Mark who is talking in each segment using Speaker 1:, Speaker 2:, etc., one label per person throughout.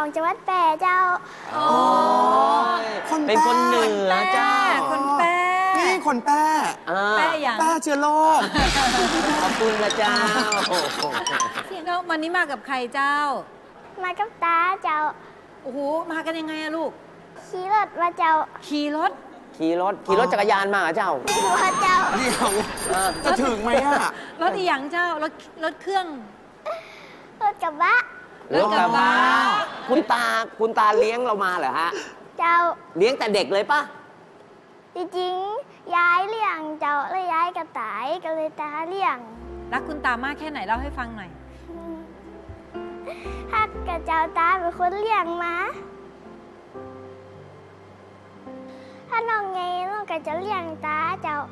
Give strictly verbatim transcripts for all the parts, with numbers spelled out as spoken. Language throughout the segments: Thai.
Speaker 1: จังหวัดแพร่เจ้า
Speaker 2: อ๋อเป็นคนเหนือเจ้า
Speaker 3: คนแป้
Speaker 4: นี่คนแป้
Speaker 3: แป้อย่าง
Speaker 4: แป้เชื้อโรค
Speaker 2: ขอบคุณนะเจ้า
Speaker 3: แล้ววันนี้มากับใครเจ้า
Speaker 1: มากับตาเจ้า
Speaker 3: โอ้โหมากันยังไงอะลูก
Speaker 1: ขี่รถมาเจ้า
Speaker 3: ขี่รถ
Speaker 2: ขี่รถขี่รถจักรยานมาเจ้า
Speaker 1: มาเจ้า
Speaker 4: เดี๋ยวจะถึงไหมอะ
Speaker 3: รถอีหยังเจ้ารถรถเครื่อง
Speaker 1: รถกระบะ
Speaker 2: รถกระบะคุณตาคุณตาเลี้ยงเรามาเหรอฮะ
Speaker 1: เจ้า
Speaker 2: เลี้ยงแต่เด็กเลยปะ
Speaker 1: จริงๆยายเลี้ยงเจ้าแล้วยายกระต่ายก็เลยตาเลี้ยง
Speaker 3: รักคุณตามากแค่ไหนเล่าให้ฟังหน่อย
Speaker 1: ฮักกับเจ้าตาเป็นคนเลี้ยงมาถ้าน้องไงน้องก็จะเลี้ยงตาเจ้า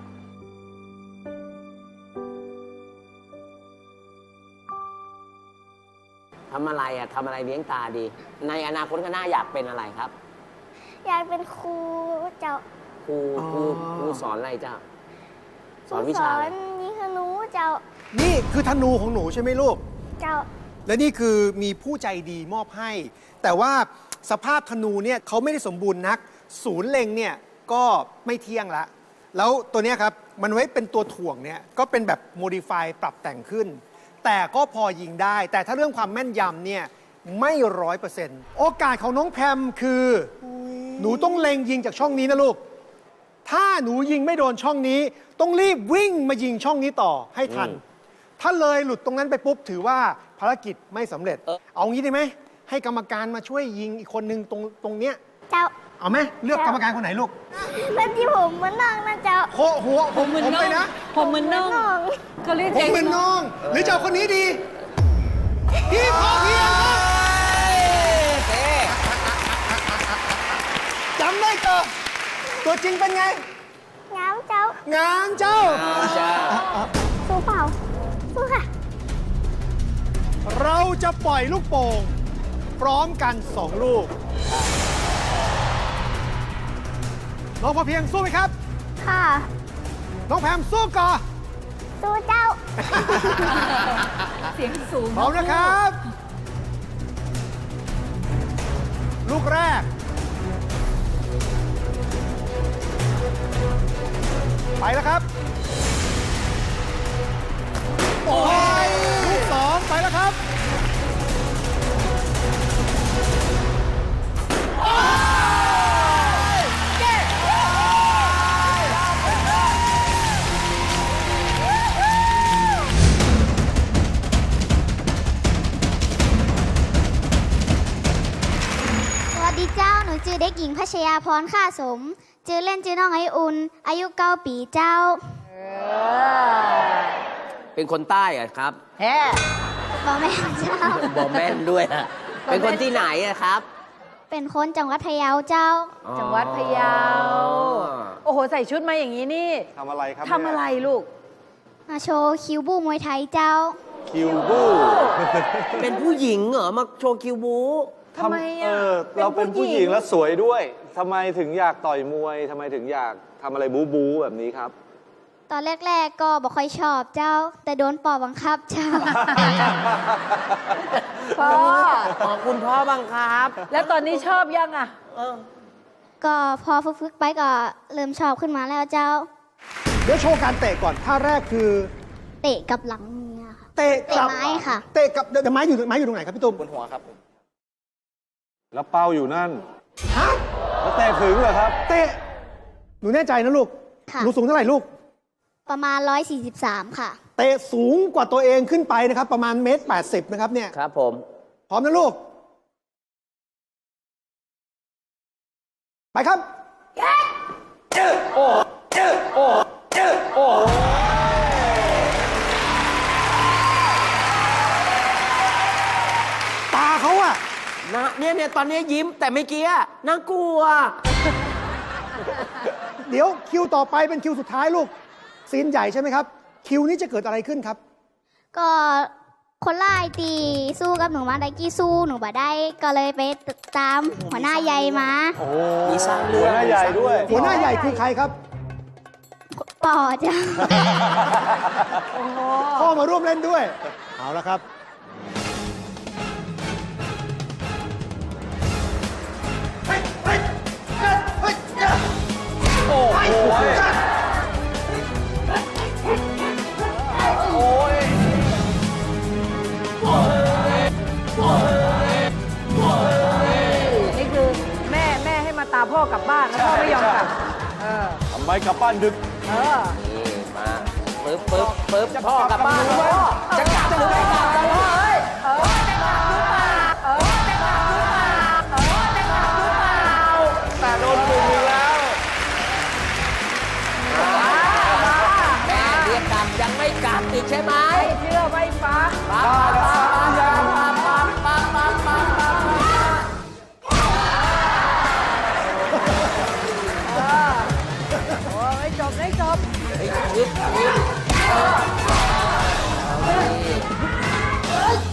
Speaker 2: ทำอะไรอ่ะทำอะไรเลี้ยงตาดีในอนาคตข้างหน้าอยากเป็นอะไรครับ
Speaker 1: อยากเป็นครูเจ้า
Speaker 2: ครูครูครูสอนอะไรเจ้าสอนวิชาอะไร
Speaker 1: สอนยิงธนูเจ้า
Speaker 5: นี่คือธนูของหนูใช่ไหมลูก
Speaker 1: เจ้า
Speaker 5: และนี่คือมีผู้ใจดีมอบให้ แต่ว่าสภาพธนูเนี่ยเขาไม่ได้สมบูรณ์นักศูนย์เล็งเนี่ยก็ไม่เที่ยงละแล้วตัวนี้ครับมันไว้เป็นตัวถ่วงเนี่ยก็เป็นแบบโมดิฟายปรับแต่งขึ้นแต่ก็พอยิงได้แต่ถ้าเรื่องความแม่นยำเนี่ยไม่ร้อยเปอร์เซ็นต์โอกาสของน้องแพมคือหนูต้องเล็งยิงจากช่องนี้นะลูกถ้าหนูยิงไม่โดนช่องนี้ต้องรีบวิ่งมายิงช่องนี้ต่อให้ทันถ้าเลยหลุดตรงนั้นไปปุ๊บถือว่าภารกิจไม่สำเร็จ เออเอางี้ได้ไหมให้กรรมการมาช่วยยิงอีกคนนึงตรงตรงเนี้ย
Speaker 1: เจ้า
Speaker 5: เอาไหมเลือกกรรมการคนไหนลูก
Speaker 1: แล้วที่ผมมันน้องนะเจ้า
Speaker 5: โคหัวผมผมไปนะ
Speaker 3: ผมมันน้องเขาเรียก
Speaker 5: ผมเหมือนน้องหรือเจ้าคนนี้ดีพี่พอเพียงจำได้เจอตัวจริงเป็นไง
Speaker 1: งามเจ้าง
Speaker 5: ามเจ้า
Speaker 1: สู้เปล่าสู้ค่ะ
Speaker 5: เราจะปล่อยลูกโป่งพร้อมกันสองลูกน้องพอเพียงสู้ไหมครับ
Speaker 1: ค่ะ
Speaker 5: น้องแพมสู้ก่อน
Speaker 1: สู้เจ้า
Speaker 3: เสียงสูง
Speaker 5: พร้อมนะครับลูกแรกไปแล้วครับโอ้ยลูกสองไปแล้วครับ
Speaker 1: ชื่อเด็กหญิงพัชยาพรข้าสมชื่อเล่นชื่อน้องไออุ่นอายุเก้าปีเจ้า
Speaker 2: เป็นคนใต้อะครับ
Speaker 3: แฮ่
Speaker 1: บอแม่นเจ้า
Speaker 2: บอแม่นด้วยอะเป็นคนที่ไหนอะครับ
Speaker 1: เป็นคนจังหวัดพะเยาเจ้า
Speaker 3: จังหวัดพะเยาโอ้โหใส่ชุดมาอย่างนี้นี่
Speaker 4: ทำอะไรครับ
Speaker 3: ทำอะไรลูก
Speaker 1: มาโชว์คิวบูมวยไทยเจ้า
Speaker 4: คิวบู
Speaker 2: เป็นผู้หญิงเหรอมาโชว์คิวบู
Speaker 3: ทำไมอ่ะ
Speaker 4: เราเป็นผู้หญิงแล้วสวยด้วยทำไมถึงอยากต่อยมวยทำไมถึงอยากทำอะไรบู๊บู๊แบบนี้ครับ
Speaker 1: ตอนแรกๆก็บอกค่อยชอบเจ้าแต่โดนปอบังคับเจ้า
Speaker 3: พ่อ
Speaker 2: คุณพ่อบังคับ
Speaker 3: แล้วตอนนี้ชอบยังอ่ะ
Speaker 1: ก็พอฝึกๆไปก็เริ่มชอบขึ้นมาแล้วเจ้า
Speaker 5: เดี๋ยวโชว์การเตะก่อนท่าแรกคือ
Speaker 1: เตะกับหลังเมีย
Speaker 5: เตะกับ
Speaker 1: ไม้ค่ะ
Speaker 5: เตะกับเดี๋ยวไม้อยู่ไม้อยู่ตรงไหนครับพี่ตุ้ม
Speaker 4: บนหัวครับแล้วเป้าอยู่นั่นฮะแล้วเตะถึงเหรอครับ
Speaker 5: เตะหนูแน่ใจนะลูกหนูสูงเท่าไหร่ลูก
Speaker 1: ประมาณหนึ่งร้อยสี่สิบสามค่ะ
Speaker 5: เตะสูงกว่าตัวเองขึ้นไปนะครับประมาณเมตรแปดสิบนะครับเนี่ย
Speaker 2: ครับผม
Speaker 5: พร้อมนะลูกไปครับเจอโอ้เจอโอ้เจอโอ้ตาเขาอะ
Speaker 2: นะเนี่ยเนี่ยตอนนี้ยิ้มแต่ไม่เกี้ยน่ากลัว
Speaker 5: เดี๋ยวคิวต่อไปเป็นคิวสุดท้ายลูกซีนใหญ่ใช่ไหมครับคิวนี้จะเกิดอะไรขึ้นครับ
Speaker 1: ก็คนไล่ตีสู้กับหนูมาได้กี้สู้หนูบ่ได้ก็เลยไปตามหัวหน้าใหญ่มา
Speaker 4: โอ้มีสร้างเรื่องหัวหน้าใหญ่ด้วย
Speaker 5: หัวหน้าใหญ่คือใครครับ
Speaker 1: ปอจ้ะ
Speaker 5: พ่อมาร่วมเล่นด้วยเอาละครับ
Speaker 3: พ่อกลับบ้านแล้วพ่อไม่ยอมกลับ เออ
Speaker 4: ทำไมกลับบ้านดึก
Speaker 3: เออ
Speaker 2: นี่มาปึ๊บปึ๊บปึ๊บพ่อกลับบ้านแล้วพ่อจะกลับหรือไม่กลับกันพ่อเอ้ย
Speaker 3: เออจะกลับหรือเปล่าเออจะกลับหรือเปล่าเออจะกลับหรือเปล่า
Speaker 4: แต่โดนดึงอีกแล้ว
Speaker 2: แม่เรียกกลับยังไม่กลับอีกใช่ไหม
Speaker 3: ไม่เชื่อไม่ฟัง
Speaker 2: ปั๊บปั๊บปั๊บปั๊บปั๊บปั๊บปั๊บปั๊บปั๊บปั๊บ
Speaker 3: เออโอ้ไม่จบไม่จบ
Speaker 2: เฮ้ยยึดยึดเฮ้ย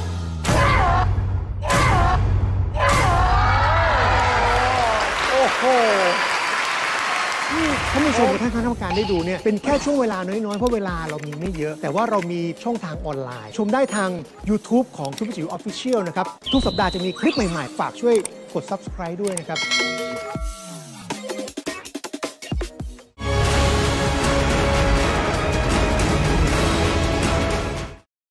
Speaker 5: โอ้โหนี่ท่านผู้ชมกับท่านคณะกรรมการได้ดูเนี่ยเป็นแค่ช่วงเวลาน้อยๆ เพราะเวลาเรามีไม่เยอะ แต่ว่าเรามีช่องทางออนไลน์ ชมได้ทาง YouTube ของซุปเปอร์จิ๋วออฟฟิเชียลนะครับ ทุกสัปดาห์จะมีคลิปใหม่ๆ ฝากช่วยกด Subscribe ด้วยนะครับ